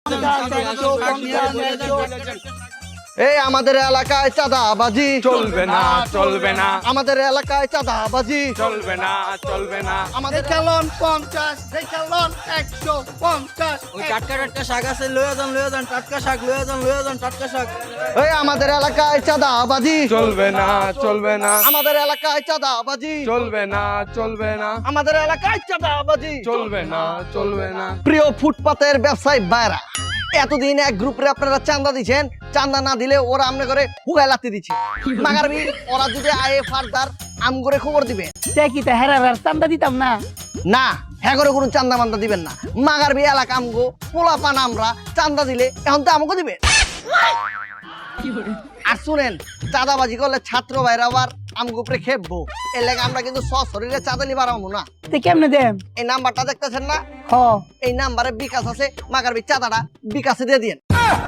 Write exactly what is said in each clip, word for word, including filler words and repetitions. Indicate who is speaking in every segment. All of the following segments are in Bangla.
Speaker 1: এই আমাদের এলাকায় চাঁদাবাজি
Speaker 2: চলবে না চলবে না
Speaker 1: আমাদের এলাকায় চাঁদাবাজি
Speaker 2: চলবে না চলবে না
Speaker 1: আমাদের
Speaker 3: খেলন পঞ্চাশ খেলন একশো পঞ্চাশ
Speaker 4: ওই টাটকা টাটকা শাক আছে লয়ে যান লয়ে যান টাটকা শাক লয়ে যান লয়ে যান টাটকা শাক
Speaker 1: এই আমাদের এলাকায় চাঁদাবাজি
Speaker 2: চলবে না চলবে না
Speaker 1: আমাদের এলাকায় চাঁদাবাজি
Speaker 2: চলবে না চলবে না
Speaker 1: আমাদের এলাকায় চাঁদাবাজি
Speaker 2: চলবে না চলবে না
Speaker 1: প্রিয় ফুটপাতের ব্যবসায়ী ভাইরা, এতদিন এক গ্রুপে আপনারা চাঁদা দিচ্ছেন, চাঁদা না দিলে ওরা আমনে করে হুগায় লাত্তি দিচ্ছে। মাগারবি ওরা যদি আয়ে ফারদার আম করে খবর দিবে
Speaker 3: কি তা হেরা চান্দা দিতাম না
Speaker 1: না, হ্যাঁ করে কোনো চান্দা মান্দা দিবেন না। মাগারবি এলাকা আমগো পোলা পান আমরা চান্দা দিলে এখন তো আমাকে দিবে। আর শুনেন, চাঁদাবাজি করলে ছাত্র ভাইরা আবার আমগো উপরে খেপবো, এর লাগে আমরা কিন্তু সশরীরে চাঁদা নিবার আমো না।
Speaker 3: কেমনে দেন?
Speaker 1: এই নাম্বারটা দেখতেছেন না,
Speaker 3: হ
Speaker 1: এই নাম্বারে বিকাশ আছে, মাগারবি চাঁদাটা বিকাশে দিয়ে দিন।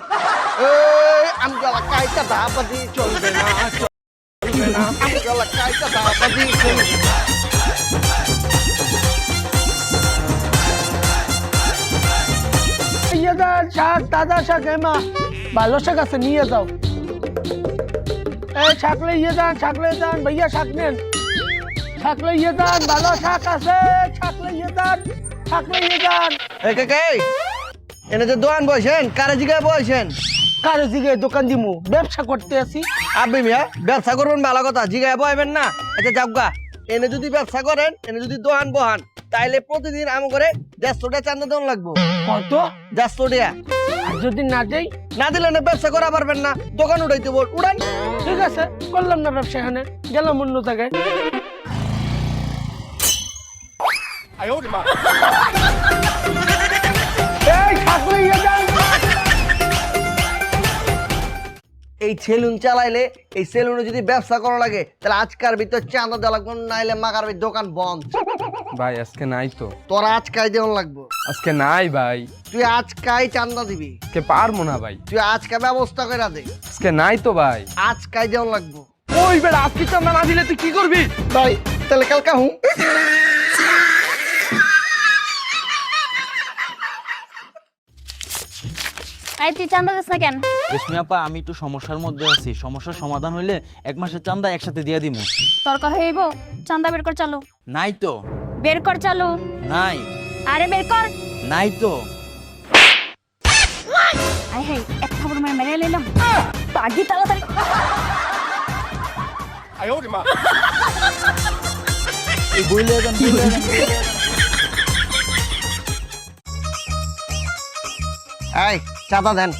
Speaker 1: আমগো এলাকায় চাঁদাবাজি চলবে না চলবে না আমগো এলাকায় চাঁদাবাজি চলবে না।
Speaker 3: ইয়ে যান শাক তাজা শাক এমা ভালো শাক আছে নিয়ে যাও। এই শাকলে ইয়ে যান শাকলে যান ভাইয়া শাক নেন, শাকলে ইয়ে যান ভালো শাক আছে, শাকলে ইয়ে যান শাকলে ইয়ে যান।
Speaker 1: এই কে কে এনে যে দোকান বসেন, কারে জিগায় বসেন?
Speaker 3: কারো জিগে দোকান দিমু, ব্যবসা করতে আছি।
Speaker 1: আপনি মিয়া ব্যবসা করবেন ভালো কথা, জিগায় বসবেন না। আচ্ছা যাবগা, এনে যদি ব্যবসা করেন, এনে যদি দোকান বহান, তাইলে প্রতিদিন আম করে দেড়শো টাকা চান্দা দেওয়া লাগবো।
Speaker 3: কত?
Speaker 1: দেড়শো টাকা
Speaker 3: আর যদি না দেই?
Speaker 1: না দিলে না ব্যবসা করা পারবেন না, দোকান উঠাইতে বল উড়ান।
Speaker 3: ঠিক আছে, করলাম না ব্যবসা, এখানে গেলাম অন্য জায়গায়। এই শাকলে ইয়ে যান।
Speaker 1: এই সেলুন চালাইলে, এই সেলুনে যদি ব্যবসা করা লাগে, তাহলে আজকার ভিতর চান্দা দেওয়া লাগবো, নাইলে মাগার দোকান বন্ধ।
Speaker 2: ভাই আজকে নাই তো,
Speaker 1: তোরা আজকাই দেওয়া লাগবো।
Speaker 2: আজকে নাই ভাই,
Speaker 1: তুই আজকাই চান্দা দিবি,
Speaker 2: আজকে পারবো না ভাই,
Speaker 1: তুই আজকে ব্যবস্থা করে দে।
Speaker 2: আজকে নাই তো ভাই।
Speaker 1: আজকাই দেওয়া লাগবো।
Speaker 2: ওই বেটা আজকে চান্দা না দিলে তুই কি করবি?
Speaker 1: ভাই তাহলে কালকা হুঁ।
Speaker 5: আই তুই চান্দা দিস না কেন?
Speaker 4: রেশমি আপা, আমি একটু সমস্যার মধ্যে আছি, সমস্যার সমাধান হইলে এক মাসের চান্দা একসাথে দিয়ে দিমু।
Speaker 5: তরকার হইব, চান্দা বের কর চালু।
Speaker 4: নাই তো।
Speaker 5: বের কর চালু।
Speaker 4: নাই।
Speaker 5: আরে বের কর।
Speaker 4: নাই তো।
Speaker 5: আই হাই, এক খবর মেরে মেরে লইলাম। পাগি তাড়াতাড়ি।
Speaker 4: এই বইলে যান বইলে যান।
Speaker 1: এই চাঁদা দেন।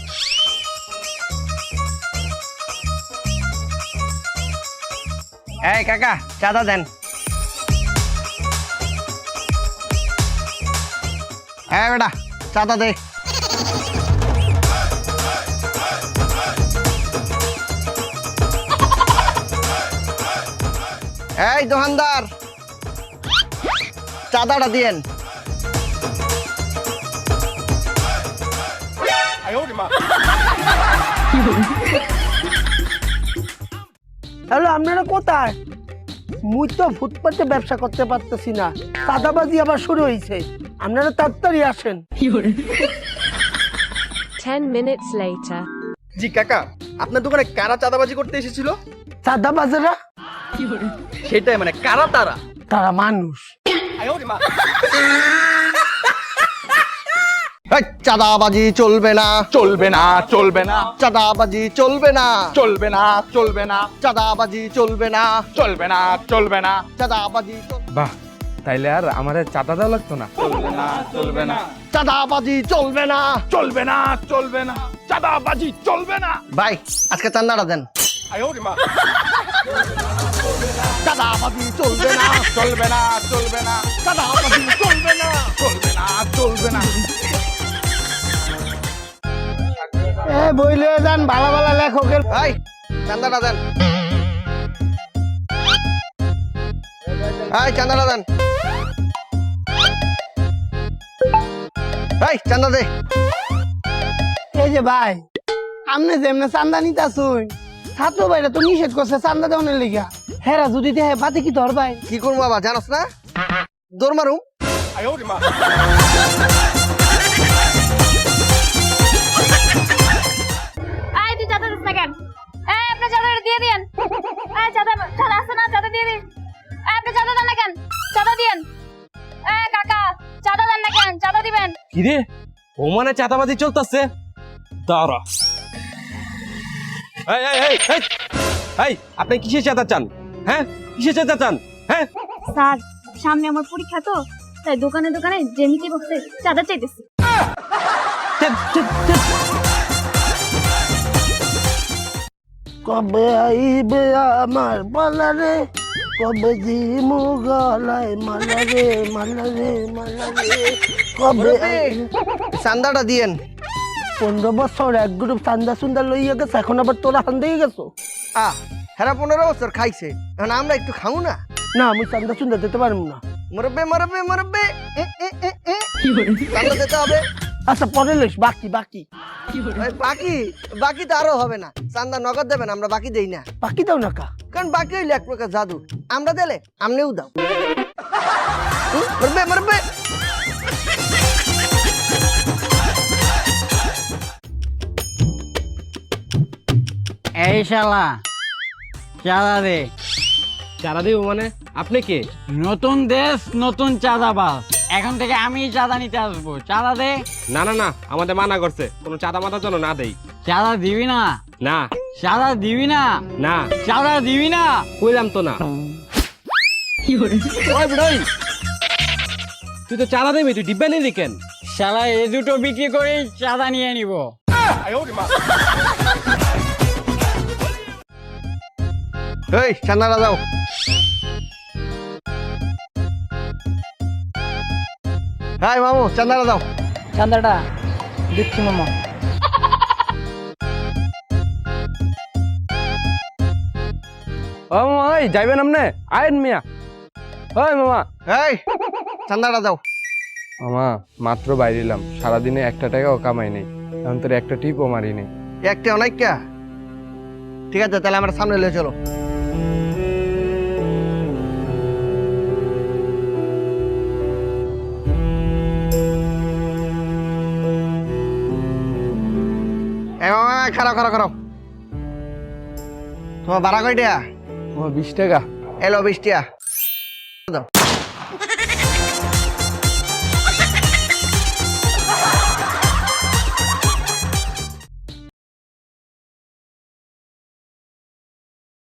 Speaker 1: এই কাকা চাঁদা দেন। এই বেটা চাঁদা দে। এই দোকানদার চাঁদাটা দিয়েন।
Speaker 3: হ্যালো, আপনারা কোথায়? মুই তো ফুটপাতে ব্যবসা করতে পারতেছি না, চাঁদাবাজি আবার শুরু হয়েছে, আপনারা তাড়াতাড়ি আসেন।
Speaker 6: Ten minutes later.
Speaker 7: জি কাকা, আপনার দোকানে কারা চাঁদাবাজি করতে এসেছিল?
Speaker 3: চাঁদাবাজেরা?
Speaker 7: সেটাই, মানে কারা তারা?
Speaker 3: তারা মানুষ।
Speaker 1: এই চাঁদাবাজি চলবে না
Speaker 2: চলবে না চলবে না
Speaker 1: চাঁদাবাজি চলবে না
Speaker 2: চলবে না চলবে না
Speaker 1: চাঁদাবাজি চলবে না
Speaker 2: চলবে না চলবে না
Speaker 1: চাঁদাবাজি চল-
Speaker 2: বাহ, তাইলে আর আমার চাঁদা দেওয়া লাগতো না। চলবে না চলবে না
Speaker 1: চাঁদাবাজি চলবে না।
Speaker 2: চলবে না চলবে না চাঁদাবাজি চলবে না।
Speaker 1: ভাই আজকে চান্দাটা দেন। চাঁদাবাজি চলবে না
Speaker 2: চলবে না চলবে না
Speaker 1: চাঁদাবাজি চলবে না
Speaker 2: চলবে না চলবে না।
Speaker 3: এ বইলে যান ভালো ভালো লেখকের।
Speaker 1: ভাই চান্দাটা দেন। ভাই চান্দাটা দেন। ভাই চান্দা দে।
Speaker 3: এই যে ভাই, আপনি যেমনে চান্দা নিতে আসুন, ছাত্র ভাইরা তো নিষেধ করছে চান্দা দেওয়ার লিগা। হেরা যদি দেহে বাতে কি ধর ভাই?
Speaker 1: কি করবো বাবা জানোস না? দৌড় মারুম।
Speaker 8: ওখানে চাঁদাবাজি চলতেছে দাঁড়া। এই এই এই এই এই আপনি কিসের চাঁদা চান? হ্যাঁ কিসের চাঁদা চান? হ্যাঁ
Speaker 5: স্যার সামনে আমার পরীক্ষা তো তাই দোকানে দোকানে জেমিতে বসে চাঁদা চাইতেছি।
Speaker 8: চল, চল, চল।
Speaker 3: কবে আইবে আমার পালা রে, কবে জিমু গলায় মালা রে মালা রে মালা রে, কবে
Speaker 1: চান্দাটা দিয়েন।
Speaker 3: পনেরো বছর এক গ্রুপ চান্দা সুন্দর লইয়া গেছে, এখন আবার তোরা হান দিয়ে গেছো।
Speaker 1: আহ হেরা পনেরো বছর খাইছে, এখন আমরা একটু খামু না?
Speaker 3: না আমি চান্দা সুন্দর দিতে পারবো না।
Speaker 1: মরবে মরবে মরবে এ, এ, এ, এ। চান্দা দিতে হবে।
Speaker 3: আচ্ছা পরে লইস, বাকি বাকি
Speaker 1: ওই বাকি বাকি তো আরো হবে না। চান্দা নগদ দেবেন, আমরা বাকি দেই না।
Speaker 3: বাকি দাও না কা।
Speaker 1: কারণ বাকি হইলে এক প্রকার জাদু, আমরা দিলে আমনেও দাও। হুম, মরবে মরবে।
Speaker 9: এই শালা চাঁদা দে।
Speaker 8: চাঁদা দিব মানে? আপনি কে?
Speaker 9: নতুন দেশ নতুন চাঁদাবাজ, এখন থেকে আমি চাঁদা নিতে আসবো। চাঁদা দে।
Speaker 8: না না না, আমাদের মানা করছে কোনো চাঁদা মাথা যেন না দেই।
Speaker 9: চাঁদা দিবি না?
Speaker 8: না
Speaker 9: চাঁদা দিবি না?
Speaker 8: না
Speaker 9: চাঁদা দিবি না?
Speaker 8: কইলাম তো না। ওই বিড়াই, তুই তো চাঁদা দেবি, তুই ডিব্বা নিলি কেন?
Speaker 9: শালা এ দুটো বিক্রি করে চাঁদা নিয়ে নিব।
Speaker 1: এই চান্দাটা দাও। হাই মামু, চান্দাটা দাও।
Speaker 3: চান্দাটা দিচ্ছি মামা।
Speaker 2: ও মামা, ওই যাইবেন আপনি? আয়েন মিয়া। ওই মামা।
Speaker 1: এই চান্দাটা দাও।
Speaker 2: মামা মাত্র বাইরিলাম, সারাদিনে একটা টাকাও কামাই নেই, এখন তোর একটা টিপও মারি নেই।
Speaker 1: একটা অনেক কা। ঠিক আছে তাহলে আমরা সামনে লিয়ে চলো। এই মামা খারাপ খারাপ খারাপ। তোমার ভাড়া কয়টা?
Speaker 2: ও বিশ টাকা।
Speaker 1: এলো বিশ টাকা দাও।